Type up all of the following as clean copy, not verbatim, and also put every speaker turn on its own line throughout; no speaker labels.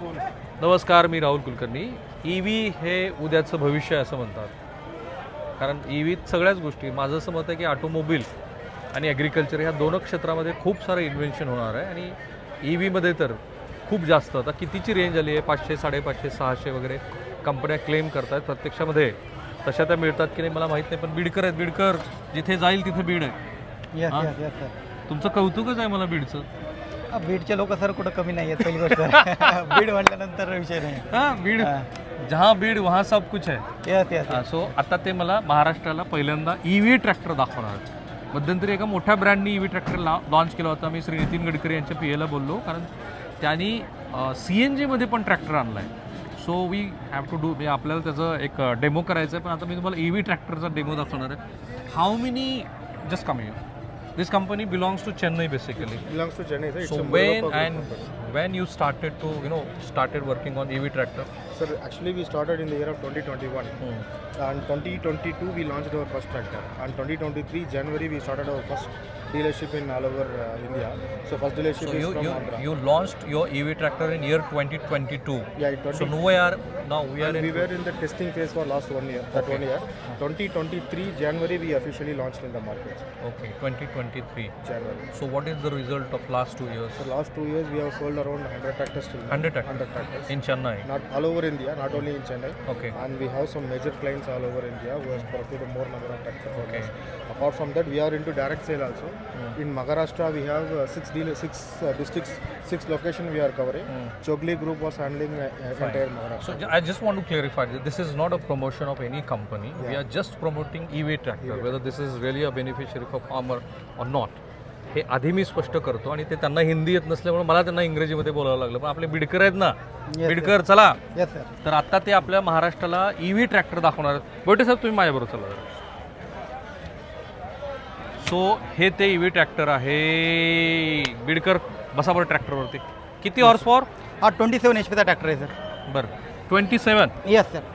नमस्कार, मी राहुल कुलकर्णी. EV हे उद्याचं भविष्य असं म्हणतात. कारण EVत सगळ्याच गोष्टी, माझं असं मत आहे की ऑटोमोबाईल आणि ॲग्रिकल्चर ह्या दोन क्षेत्रामध्ये खूप सारं इन्व्हेन्शन होणार आहे. आणि EVमध्ये तर खूप जास्त, आता कितीची रेंज आली आहे, 500, 550, 600 वगैरे कंपन्या क्लेम करतात. प्रत्यक्षामध्ये तशा त्या मिळतात की नाही मला माहीत नाही, पण बीडकर आहेत. बीडकर जिथे जाईल तिथे बीड आहे. तुमचं कौतुकच आहे मला बीडचं.
बीडचे लोक सर कुठं कमी नाही आहेत पहिली गोष्ट. बीड म्हटल्यानंतर विषय नाही.
हां, बीड जहाँ बीड वहाँ सब कुछ है.
येस.
सो आता ते मला महाराष्ट्राला पहिल्यांदा EV ट्रॅक्टर दाखवणार. मध्यंतरी एका मोठ्या ब्रँडनी EV ट्रॅक्टर लॉन्च केला होता. मी श्री नितीन गडकरी यांच्या PAला बोललो, कारण त्यांनी CNGमध्ये पण ट्रॅक्टर आणला आहे. So we have to do, म्हणजे आपल्याला त्याचं एक डेमो करायचं आहे. पण आता मी तुम्हाला EV ट्रॅक्टरचा डेमो दाखवणार आहे. How many just come you. This company belongs to Chennai basically.
Belongs to Chennai, sir. It's
So
a monopoly
when
company.
you started to started working on EV tractor?
Sir, actually we started in the year of 2021. And 2022 we launched our first tractor. And 2023 January we started our first dealership in all over India. So first dealership
So
is from Andhra.
you launched your EV tractor in year 2022.
Yeah,
So now we are
and
in.
we were in the testing phase for last 1 year. That 1 year. 2023 January we officially launched in the market.
Okay, 2023.
January.
So what is the result of last 2 years?
So last 2 years we have sold around 100 tractors till now.
100 tractors.
100 tractors.
In Chennai.
Not all over India, not only in Chennai.
Okay.
And we have some major clients all over India who has procured more number of tractors from
Okay.
us. Apart from that, we are into direct sale also. In Maharashtra, we have 6 districts, 6 locations we are covering. Chogli Group was handling entire Maharashtra.
So I just want to clarify that this is not a promotion of any company. We are just promoting EV tractor. Whether this is really a beneficiary for farmer or not. हे आधी मी स्पष्ट करतो. आणि ते त्यांना हिंदी येत नसल्यामुळे मला त्यांना इंग्रजीमध्ये बोलावं लागलं. पण आपले बीडकर आहेत ना, बीडकर चला.
Yes sir.
तर आता ते आपल्या महाराष्ट्राला EV ट्रॅक्टर दाखवणार आहेत. बोटे साहेब तुम्ही माझ्याबरोबर चला. सो हे ते EV ट्रॅक्टर आहे. बीडकर बसा बरं ट्रॅक्टरवरती. किती हॉर्स पॉवर?
हा 27 HP चा ट्रॅक्टर आहे सर.
बरं, 27.
Yes sir.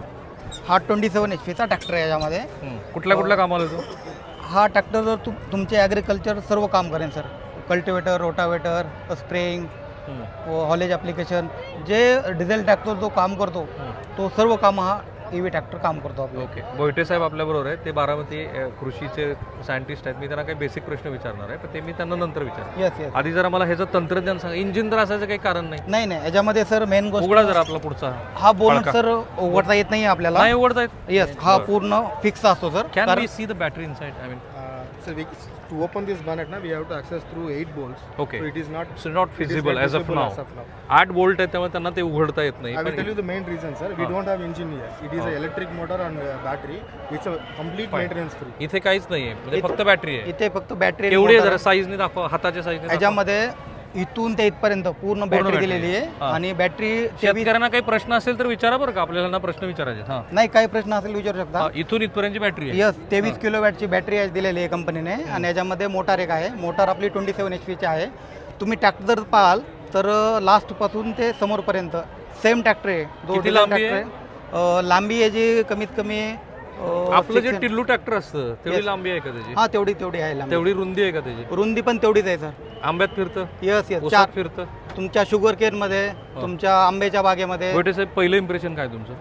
हा 27 HP चा ट्रॅक्टर आहे. याच्यामध्ये
कुठल्या कामाला येतो?
हा ट्रॅक्टर जर तुमचे ॲग्रिकल्चर सर्व काम करेन sir. Cultivator, rotavator, spraying, haulage application, जे डिझेल ट्रॅक्टर जो काम करतो तो सर्व काम हा EV ट्रॅक्टर काम करतो आपलं.
ओके. बोयटे साहेब आपल्याबरोबर आहेत. ते बारामती कृषीचे सायंटिस्ट आहेत. मी त्यांना काही बेसिक प्रश्न विचारणार आहे, पण ते मी त्यांना नंतर विचारणार.
येस.
आधी जरा मला ह्याचं तंत्रज्ञान सांगा. इंजिन तर असायचं काही कारण नाही.
नाही याच्यामध्ये सर मेन गोष्ट
उघडा जरा आपला पुढचा.
हा बोनट सर उघडता येत नाही आपल्याला.
नाही उघडता येत.
येस, हा पूर्ण फिक्स असतो sir.
Can we see the battery inside? I mean
So to open this bonnet, we have to access through 8 bolts.
Okay.
So it is not.
So not feasible as of now. 8 bolt आहेत, त्यामुळे त्यांना ते उघडता येत नाही.
I will tell you the main reason, sir. We don't have engine here. It is an electric motor and battery. It's a complete maintenance free.
इथे काहीच नाहीये, म्हणजे फक्त बॅटरी आहे.
इथे फक्त बॅटरी.
केवढी आहे जरा साईजने दाखवा, हाताच्या साईजने.
याच्यामध्ये इथून ते इथपर्यंत पूर्ण बॅटरी दिलेली आहे. आणि बॅटरी
शेतकऱ्यांना काही प्रश्न असेल तर विचारा बरं का, आपल्याला प्रश्न विचारायचे. हां,
नाही, काही प्रश्न असेल विचारू शकता.
इथून इथपर्यंतची बॅटरी आहे.
यस, 23 किलोवॅटची बॅटरी आहे दिलेली आहे कंपनीने. आणि याच्यामध्ये मोटार एक आहे. मोटार आपली 27 HP ची आहे. तुम्ही ट्रॅक्टर पाहाल तर लास्ट पासून ते समोरपर्यंत सेम ट्रॅक्टर आहे.
किती लांबी आहे?
लांबी आहे जी कमीत कमी
आपलं जे टिल्लू ट्रॅक्टर असतं तेवढी लांबी आहे का त्याची?
हा तेवढी आहे लांबी.
तेवढी रुंदी आहे का त्याची?
रुंदी पण तेवढीच आहे सर.
आंब्यात फिरतं?
यस.
ऊसात फिरतं?
तुमच्या शुगर केअर मध्ये, तुमच्या आंब्याच्या बागेमध्ये.
गोटे साहेब, पहिलं इम्प्रेशन काय तुमचं?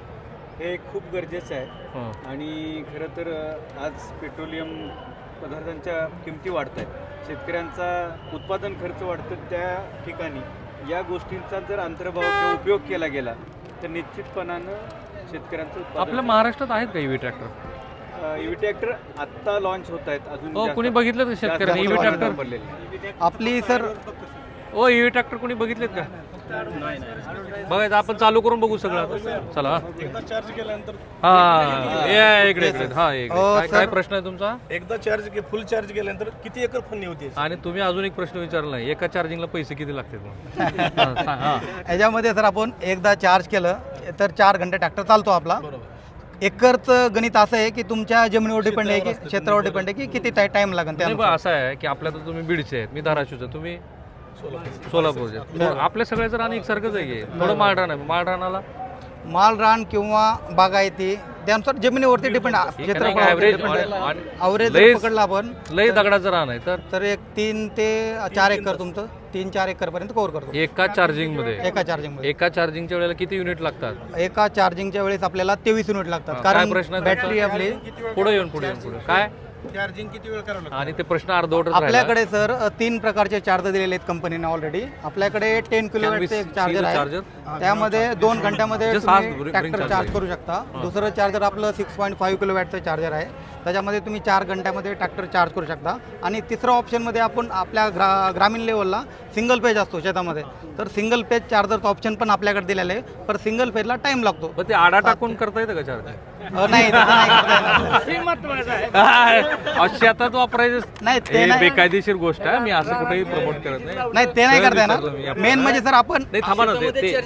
हे खूप गरजेचं आहे. आणि खरं तर आज पेट्रोलियम पदार्थांच्या किमती वाढत आहेत. शेतकऱ्यांचा उत्पादन खर्च वाढतो. त्या ठिकाणी या गोष्टींचा जर अंतर्भाव किंवा उपयोग केला गेला तर निश्चितपणानं शेतकऱ्यांचं उत्पादन.
आपल्या महाराष्ट्रात आहेत का EV ट्रॅक्टर?
EV ट्रॅक्टर आत्ता लॉन्च होत आहेत. अजून
कोणी बघितलं का शेतकऱ्यांनी EV ट्रॅक्टर?
आपली सर
EV ट्रॅक्टर कोणी बघितलेत का? बघायचं, आपण चालू करून बघू सगळं. चला.
एकदा चार्ज केल्यानंतर
इकडे. काय प्रश्न आहे तुमचा?
एकदा फुल चार्ज केल्यानंतर किती एकर फन्नी होती?
आणि तुम्ही अजून एक प्रश्न विचारला नाही, एका चार्जिंगला पैसे किती लागतात?
याच्यामध्ये सर आपण एकदा चार्ज केलं तर 4 घंटे ट्रॅक्टर चालतो आपला. एकरचं गणित असं आहे की तुमच्या जमिनीवर डिपेंड आहे, की क्षेत्रावर डिपेंड आहे, की किती टाइम लागेल. त्यामुळे
असं आहे की आपल्या तर तुम्ही बीडचे आहेत, मी धाराशिवचे, तुम्ही सोलापूरचे. आपल्या सगळ्याचं रान एकसारखंच आहे. थोडं माळरान आहे. माळरानाला
मालरान किंवा बागायती त्यानुसार जमिनीवरती डिपेंड. ॲव्हरेज पकडला आपण
लय दगडाचं रान आहे
तर एक 3 ते 4 एकर तुमचं 3-4 एकरपर्यंत कव्हर करतो
एका चार्जिंगमध्ये
एका चार्जिंगमध्ये.
एका चार्जिंगच्या वेळेला किती युनिट लागतात?
एका चार्जिंगच्या वेळेस आपल्याला 23 युनिट लागतात,
काय
कारण
प्रश्न आहे
बॅटरी
तुमचा?
आपली
पुढे येऊन काय
चार्जिंग किती वेळ करावं लागतं?
आणि ते प्रश्न अर्धवटच राहिला.
आपल्याकडे सर 3 प्रकारचे चार्जर दिलेले आहेत कंपनीने ऑलरेडी. आपल्याकडे 10 किलोवॅटचे एक चार्जर आहे, त्यामध्ये 2 घंट्यामध्ये
Just fast
तुम्ही
bring
ट्रॅक्टर
charger.
चार्ज करू शकता. दुसरं चार्जर आपलं 6.5 किलोवॅटचं चार्जर आहे, त्याच्यामध्ये तुम्ही 4 घंट्यामध्ये ट्रॅक्टर चार्ज करू शकता. आणि तिसरं ऑप्शनमध्ये आपण आपल्या ग्रामीण लेवलला सिंगल पेज असतो शेतामध्ये, तर सिंगल पेज चार्जरचं ऑप्शन पण आपल्याकडे दिलेलं आहे, पण सिंगल पेजला टाइम लागतो.
पण ते आडा टाकून करता येतं का चार्ज?
नाही तसं नाही करता येणार.
शेतात वापरायचं
नाही ते नाही,
बेकायदेशीर गोष्ट आहे. मी असं कुठेही प्रमोट करत नाही.
नाही ते नाही करता
विचारतो मी.
येणार. मेन म्हणजे सर आपण
नाही थांबा ना, ते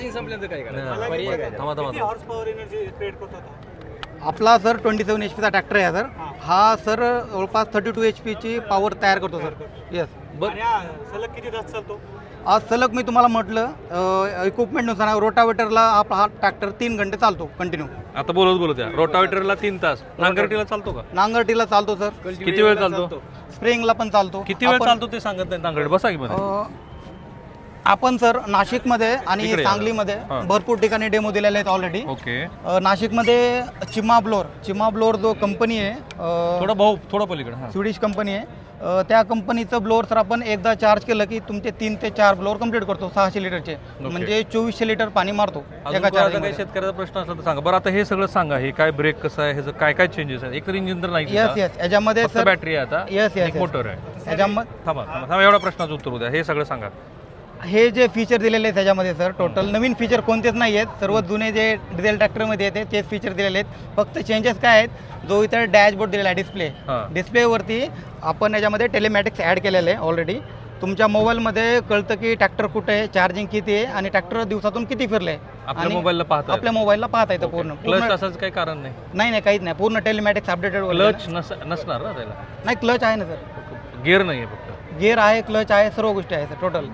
आपला सर 27 HP चा ट्रॅक्टर आहे सर. हा सर जवळपास 32 HP ची पॉवर तयार करतो सर. येस.
सलग किती तास चालतो?
आज सलग मी तुम्हाला म्हटलं इक्विपमेंटनुसार रोटावेटरला हा ट्रॅक्टर 3 घंटे चालतो कंटिन्यू.
आता बोलत या रोटावेटरला 3 तास, नांगरटीला चालतो का?
नांगरटीला चालतो सर,
किती वेळ चालतो?
स्प्रिंगला पण चालतो.
किती वेळ चालतो ते सांगत नाही. नांगरट बसा की मध्ये.
आपण सर नाशिकमध्ये आणि
इकडे या.
सांगलीमध्ये
हां.
भरपूर ठिकाणी डेमो दिलेले आहेत ऑलरेडी.
ओके,
नाशिकमध्ये चिमा ब्लोअर जो कंपनी आहे,
थोडं पलीकडे. हा.
स्वीडिश कंपनी आहे, त्या कंपनीचं ब्लोअर सर आपण एकदा चार्ज केलं की तुमचे 3 ते 4 ब्लोअर कंप्लीट करतो 600 लिटरचे, म्हणजे 2400 लिटर पाणी मारतो
अजून
एका
कोणाचा काही
चार्जिंग.
शेतकऱ्याचा प्रश्न असला तर सांगा. बरं आता हे सगळं सांगा, हे काय ब्रेक कसं आहे, ह्याचं काय काय चेंजेस आहेत? एक तर इंजिन तर नाही,
येस येस याच्यामध्ये सर
बॅटरी आहे आता,
येस
एक
येस
मोटर आहे.
याच्यामध्ये
थांबा एवढ्या प्रश्नाचं उत्तर उद्या. हे सगळं सांगा.
हे जे फीचर दिलेले आहेत त्याच्यामध्ये सर टोटल नवीन फीचर कोणतेच नाही आहेत. सर्व जुने जे डिझेल ट्रॅक्टरमध्ये येते तेच फीचर दिलेले आहेत. फक्त चेंजेस काय आहेत, जो इतर डॅशबोर्ड दिलेला आहे डिस्प्ले,
हां.
डिस्प्लेवरती आपण याच्यामध्ये टेलिमॅटिक्स ॲड केलेलं आहे ऑलरेडी. तुमच्या मोबाईलमध्ये कळतं की ट्रॅक्टर कुठे आहे, चार्जिंग किती आहे आणि ट्रॅक्टर दिवसातून किती फिरले.
आपल्या मोबाईलला पाहता
आपल्या मोबाईलला पाहता येतं पूर्ण.
क्लच असाच काही कारण नाही.
नाही काहीच नाही, पूर्ण टेलिमॅटिक्स अपडेटेड.
क्लच नसणार ना त्याला?
नाही क्लच आहे ना सर,
गिअर नाही आहे फक्त.
गिअर आहे, क्लच आहे, सर्व गोष्टी आहे सर टोटल.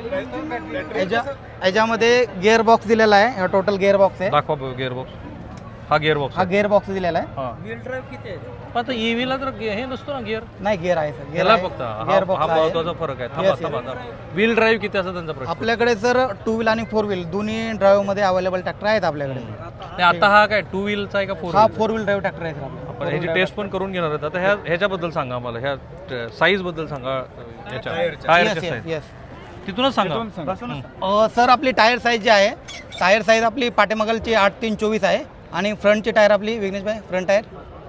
याच्यामध्ये गिअर बॉक्स दिलेला आहे, टोटल गिअर बॉक्स आहे.
दाखवा गिअर बॉक्स. हा गिअर बॉक्स.
हा गिअर बॉक्स दिलेला आहे.
व्हील ड्राईव्ह किती आहे? आता ईव्हीला तर हे नसतो ना गिअर.
नाही गिअर आहे सर, गिअर
त्याला
आहे.
फक्त
गिअर
हा
बॉक्स आहे.
महत्वाचा फरक आहे.
Yes,
थांबा. व्हील ड्राईव्ह किती असं त्यांचा प्रश्न.
आपल्याकडे सर 2 व्हील आणि 4 व्हील दोन्ही ड्राईव्ह मध्ये अवेलेबल ट्रॅक्टर आहेत आपल्याकडे.
नाही, आता हा काय 2 व्हीलचा आहे का 4
हा
व्हील?
4 व्हील ड्राईव्ह ट्रॅक्टर आहे सर आपला.
आपण ह्याची टेस्ट पण करून घेणार आहेत. आता ह्याच्याबद्दल सांगा आम्हाला, ह्या साईज बद्दल सांगा. ह्याच्या टायरच्या
येस
साईज
येस.
तिथूनच सांगा.
सर आपली टायर साईज जी आहे, टायर साईज आपली पाठीमागलची 8-3-24 आहे आणि फ्रंटची टायर आपली विघ्नेश भाई फ्रंट टायर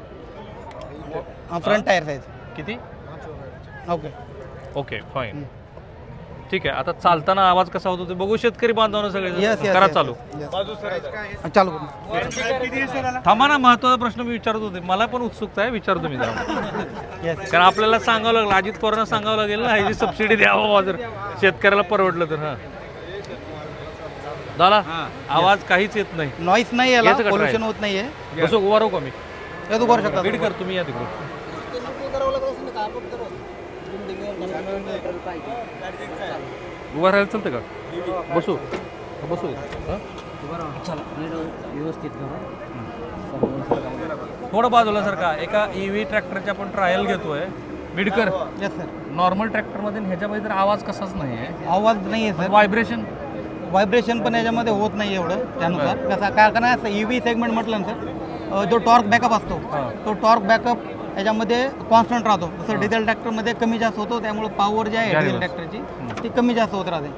साईज
किती?
ओके.
फाईन. ठीक आहे. आता चालताना आवाज कसा होतो ते बघू शेतकरी बांधवांना सगळे.
येस
करा चालू.
चालू.
थांबा ना, महत्वाचा प्रश्न मी विचारत होते. मला पण उत्सुकता आहे, विचारतो मी जरा.
येस.
कारण आपल्याला सांगावं लागलं, अजित पवारांना सांगावं लागेल ना, ह्याची सबसिडी द्यावं जर शेतकऱ्याला परवडलं तर. हा झाला आवाज काहीच येत नाही.
नॉईस नाही याला,
येतं का
पोल्युशन
try?
होत नाहीये.
बसू उभा राहू का मी?
यात उभारू शकता.
बीड कर तुम्ही या तिकडून. उभा राहायला चालतं का? बसू हा? थोडं बाजूला सर का एका ईव्ही ट्रॅक्टरची आपण ट्रायल घेतोय. Bidkar
yes sir.
नॉर्मल ट्रॅक्टरमध्ये ह्याच्यामध्ये तर आवाज कसाच नाही आहे.
आवाज नाही आहे सर.
व्हायब्रेशन
पण याच्यामध्ये होत नाही एवढं त्यानुसार. कसा कारण ईव्ही सेगमेंट म्हटलं ना सर, जो टॉर्क बॅकअप असतो तो टॉर्क बॅकअप याच्यामध्ये कॉन्स्टंट राहतो. जसं डिझेल ट्रॅक्टरमध्ये कमी जास्त होतो, त्यामुळे पॉवर जी आहे डिझेल ट्रॅक्टरची ती कमी जास्त होत राहते.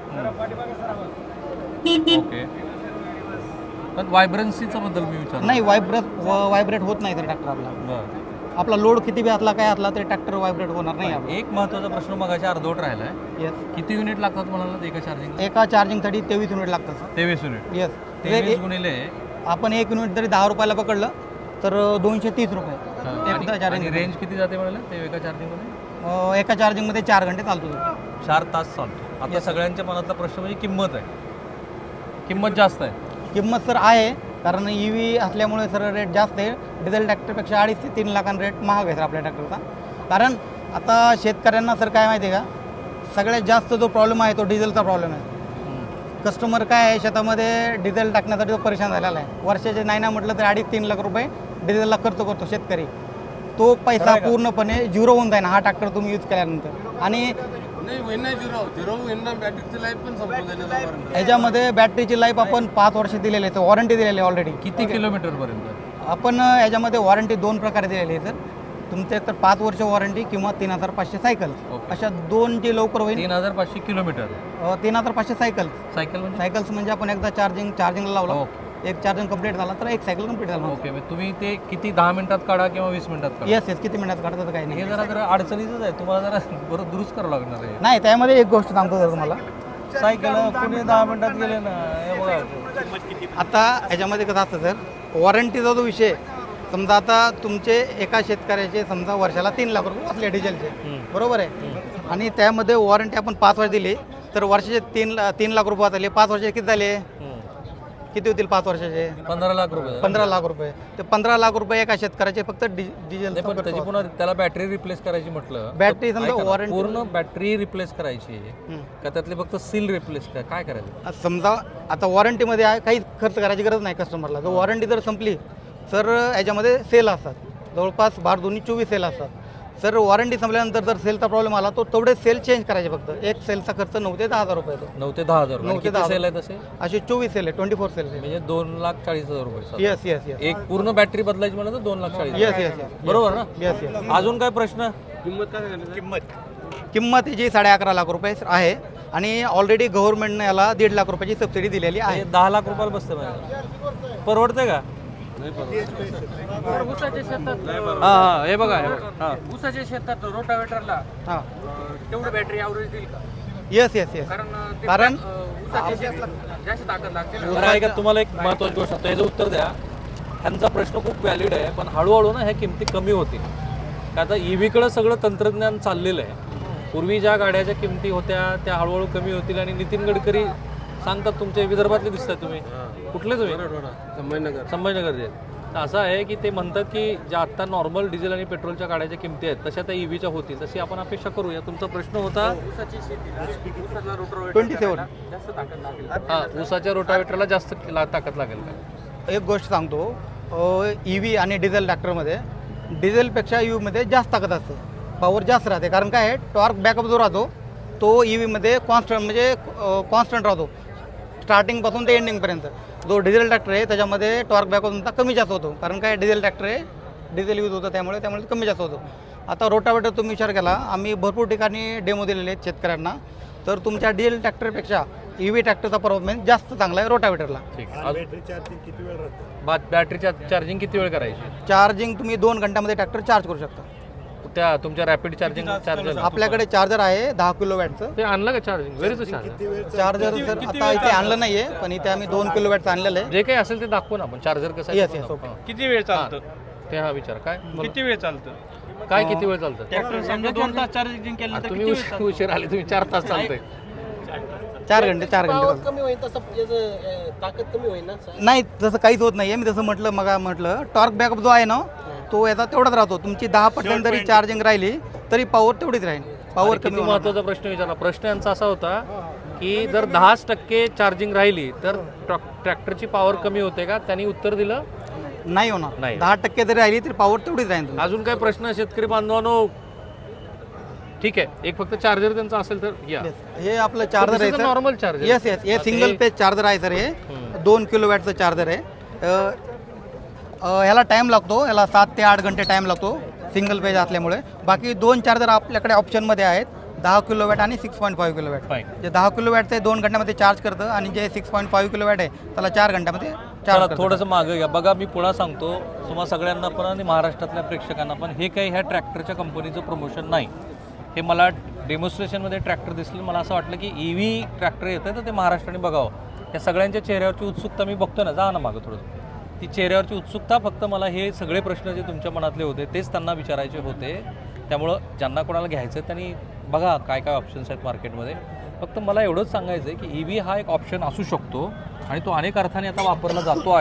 ओके. पण व्हायब्रन्सीचा बद्दल मी विचार
नाही व्हायब्रेट होत नाही सर ट्रॅक्टर आपला लोड किती बी असला काय असला तरी ट्रॅक्टर व्हायब्रेट होणार नाही आपला.
एक महत्वाचा प्रश्न मगाशी अर्धवट राहिला आहे.
येस.
किती युनिट लागतात म्हणाला एका चार्जिंग?
एका चार्जिंगसाठी 23 युनिट लागतात सर.
23 युनिट.
येस.
23 गुणिले
आपण 1 युनिट जरी 10 रुपयाला पकडलं तर 230 रुपये. एकदा
आणि
चार्जिंग
रेंज किती जाते म्हणाला ते एका चार्जिंगमध्ये?
एका चार्जिंगमध्ये 4 घंटे चालतो.
4 तास चालतो. आता सगळ्यांच्या मनातला प्रश्न म्हणजे किंमत आहे. किंमत जास्त आहे.
किंमत सर आहे, कारण ईव्ही असल्यामुळे सर रेट जास्त आहे. डिझेल ट्रॅक्टरपेक्षा 2.5 ते 3 लाखांना रेट महाग आहे सर आपल्या ट्रॅक्टरचा. कारण आता शेतकऱ्यांना सर काय माहिती आहे का, सगळ्यात जास्त जो प्रॉब्लेम आहे तो डिझेलचा प्रॉब्लेम आहे. कस्टमर काय आहे, शेतामध्ये डिझेल टाकण्यासाठी तो परेशान झालेला आहे. वर्षाचे नाही ना म्हटलं तर 2.5-3 लाख रुपये डिझेलला खर्च करतो शेतकरी. तो पैसा पूर्णपणे झिरो होऊन जाईल हा ट्रॅक्टर तुम्ही यूज केल्यानंतर. आणि
नाही होईन नाही झिरो होईन ना बॅटरीची लाईफ पण संपून जाईल
याच्यामध्ये बॅटरीची लाईफ आपण 5 वर्ष दिलेली आहे, वॉरंटी दिलेली आहे ऑलरेडी.
किती किलोमीटरपर्यंत?
आपण याच्यामध्ये वॉरंटी 2 प्रकारे दिलेली आहे सर. तुमचे तर 5 वर्ष वॉरंटी किंवा 3500 सायकल,
ओके.
अशा 2 जे लवकर होईल.
3500 किलोमीटर
3500 सायकल.
सायकल म्हणजे
सायकल्स म्हणजे आपण एकदा चार्जिंगला लावला,
ओके.
एक चार्जिंग कंप्लीट झाला तर एक सायकल कंप्लीट झाला.
ओके. मग तुम्ही ते किती 10 मिनिटात काढा किंवा 20 मिनिटात काढा?
येस किती मिनिटात काढतात काही
हे
नाही.
जरा अडचणीचंच आहे, तुम्हाला जरा बरं दुरुस्त करावं लागणार आहे.
नाही, त्यामध्ये एक गोष्ट सांगतो सर तुम्हाला.
सायकल पुणे 10 मिनिटात गेले ना, हे बघा.
आता याच्यामध्ये कसं असतं सर, वॉरंटीचा जो विषय, समजा आता तुमचे एका शेतकऱ्याचे समजा वर्षाला 3 लाख रुपये वाचले डिझेलचे, बरोबर आहे, आणि त्यामध्ये वॉरंटी आपण 5 वर्ष दिली, तर वर्षाचे 3 लाख रुपये वाचले. 5 वर्षाचे किती झाले, किती होतील 5 वर्षाचे?
15 लाख रुपये.
15 लाख रुपये. ते 15 लाख रुपये एका शेतकऱ्याचे फक्त डिझेल.
नाही, पण त्याची पुन्हा त्याला बॅटरी रिप्लेस करायची म्हटलं,
बॅटरी
तर
समजा
ऐका ना,
वॉरंटी
पूर्ण बॅटरी रिप्लेस करायची का त्यातले फक्त सील रिप्लेस काय करायचं?
समजा आता वॉरंटीमध्ये आहे, काहीच खर्च करायची गरज नाही कस्टमरला. जर वॉरंटी जर संपली सर, याच्यामध्ये सेल असतात, जवळपास 12-24 सेल असतात. सर वॉरंटी संपल्यानंतर जर सेलचा प्रॉब्लेम आला तो तेवढे सेल चेंज करायचे. फक्त एक सेलचा खर्च 9 ते 10 हजार रुपये येतो.
9 ते 10 हजार.
9 ते 10
सेल आहे तसे
असे 24 सेल आहे, 24 सेल आहे.
म्हणजे 2,40,000 रुपये.
येस येस येस
एक पूर्ण बॅटरी बदलायची म्हणलं तर 2,40,000.
येस येस येस
बरोबर ना?
Yes yes.
अजून काय प्रश्न?
किंमत जी 11.5 लाख रुपये आहे, आणि ऑलरेडी गव्हर्नमेंटने याला 1.5 लाख रुपयाची सबसिडी दिलेली आहे.
हे 10 लाख रुपयाला बसते म्हणजे परवडते का?
ऊसाच्या शेतात
हा, हे बघा, हे बघा. हा.
ऊसाच्या शेतात रोटावेटरला
हां
तेवढं बॅटरी ॲव्हरेज देईल का?
Yes yes yes. कारण
ऊसाच्या शेतीत जास्त ताकद लागते ना.
बरं, ऐका, तुम्हाला एक महत्त्वाची गोष्ट सांगतो, याचं उत्तर द्या. ह्यांचा प्रश्न खूप व्हॅलिड आहे, पण हळूहळू ना ह्या किमती कमी होतील. का आता EV-कडं सगळं तंत्रज्ञान चाललेलं आहे. पूर्वी ज्या गाड्याच्या किमती होत्या त्या हळूहळू कमी होतील. आणि नितीन गडकरी सांगतात, तुमच्या विदर्भातले दिसतात तुम्ही, कुठले तुम्ही? संभाजीनगरचे. तर असं आहे की ते म्हणतात की ज्या आत्ता नॉर्मल डिझेल आणि पेट्रोलच्या गाड्याच्या किमती आहेत तशा त्या EV-च्या होतील, तशी आपण अपेक्षा करूया. तुमचा प्रश्न होता
ऊसाची शेतीला ऊसाला रोटावेटर
27
जास्त ताकद लागेल.
हा, ऊसाच्या रोटावेटरला जास्त ताकद लागेल का?
एक गोष्ट सांगतो, EV आणि डिझेल ट्रॅक्टरमध्ये डिझेलपेक्षा EVमध्ये जास्त ताकद असते, पॉवर जास्त राहते. कारण काय आहे, टॉर्क बॅकअप जो राहतो तो EVमध्ये कॉन्स्टंट राहतो स्टार्टिंगपासून ते एंडिंगपर्यंत. जो डिझेल ट्रॅक्टर आहे त्याच्यामध्ये टॉर्क बॅकअप तुमचा कमी जास्त होतो. कारण काय, डिझेल ट्रॅक्टर आहे, डिझेल यूज होतं, त्यामुळे कमी जास्त होतो. आता रोटावेटर तुम्ही विचार केला, आम्ही भरपूर ठिकाणी डेमो दिलेले आहेत शेतकऱ्यांना, तर तुमच्या डिझेल ट्रॅक्टरपेक्षा EV ट्रॅक्टरचा परफॉर्मन्स जास्त चांगला आहे रोटावेटरला.
ठीक आहे. बॅटरी चार्जिंग किती वेळ करायची?
चार्जिंग तुम्ही 2 घंट्यामध्ये ट्रॅक्टर चार्ज करू शकता.
त्या तुमच्या रॅपिड चार्जिंग चार्जर
आपल्याकडे चार्जर आहे 10 किलोवॅटचं.
ते आणलं का charging? Very charger.
Charger sir आता इथे आणलं नाहीये, पण इथे आम्ही 2 किलोवॅटचं आणलेलं आहे.
जे काही असेल ते दाखवू ना आपण. चार्जर कसं
Yes, yes, okay.
किती वेळ चालतं?
ते हा विचार काय
किती वेळ चालतं?
काय किती वेळ चालतं?
ट्रॅक्टर समजा 2 तास चार्जिंग केलं तर
तुम्ही उशीर आले, तुम्ही 4 तास चालतंय.
4 घंटे
कमी होईल तसं याचं ताकद कमी होईल ना.
नाही, तसं काहीच होत नाहीये. मी जसं म्हटलं टॉर्क बॅकअप जो आहे ना तो याचा तेवढाच राहतो. तुमची 10% जरी चार्जिंग राहिली तरी पॉवर तेवढीच राहील. पॉवर
किती
कमी होणार
महत्वाचा प्रश्न विचारला. प्रश्न यांचा असा होता की जर 10% चार्जिंग राहिली तर ट्रॅक्टरची पॉवर कमी होते का? त्यांनी उत्तर दिलं
नाही होणार.
नाही.
10% जरी राहिली तरी पॉवर तेवढीच राहील तुमची.
अजून काय प्रश्न शेतकरी बांधवांनो? ठीक आहे, एक फक्त चार्जर त्यांचा असेल तर या.
Yes. हे आपलं चार्जर आहे sir,
normal charger.
Yes yes. हे सिंगल पेज चार्जर आहे सर. हे 2 किलोवॅटचं चार्जर आहे. ह्याला टाईम लागतो, याला 7 ते 8 घंटे टाईम लागतो सिंगल पेज असल्यामुळे. बाकी 2 चार्जर आपल्याकडे ऑप्शनमध्ये आहेत, 10 किलोवॅट आणि 6.5 किलोवॅट.
Fine.
जे 10 किलोवॅटचं 2 घंट्यामध्ये चार्ज करतं, आणि जे 6.5 किलोवॅट आहे त्याला 4 घंट्यामध्ये
चला
चार्ज करतं.
थोडंसं मागं घ्या. बघा, मी पुन्हा सांगतो तुम्हा सगळ्यांना पण आणि महाराष्ट्रातल्या प्रेक्षकांना पण, हे काही ह्या ट्रॅक्टरच्या कंपनीचं प्रमोशन नाही. हे मला डेमॉन्स्ट्रेशनमध्ये ट्रॅक्टर दिसलं, मला असं वाटलं की EV ट्रॅक्टर येतं तर ते महाराष्ट्राने बघावं. या सगळ्यांच्या चेहऱ्यावरची उत्सुकता मी बघतो ना, जा ना मागं थोडंसं. ती चेहऱ्यावरची उत्सुकता, फक्त मला हे सगळे प्रश्न जे तुमच्या मनातले होते तेच त्यांना विचारायचे होते. त्यामुळं ज्यांना कोणाला घ्यायचं त्यांनी बघा काय काय ऑप्शन्स आहेत मार्केटमध्ये. फक्त मला एवढंच सांगायचं आहे की EV हा एक ऑप्शन असू शकतो आणि तो अनेक अर्थाने आता वापरला जातो आहे.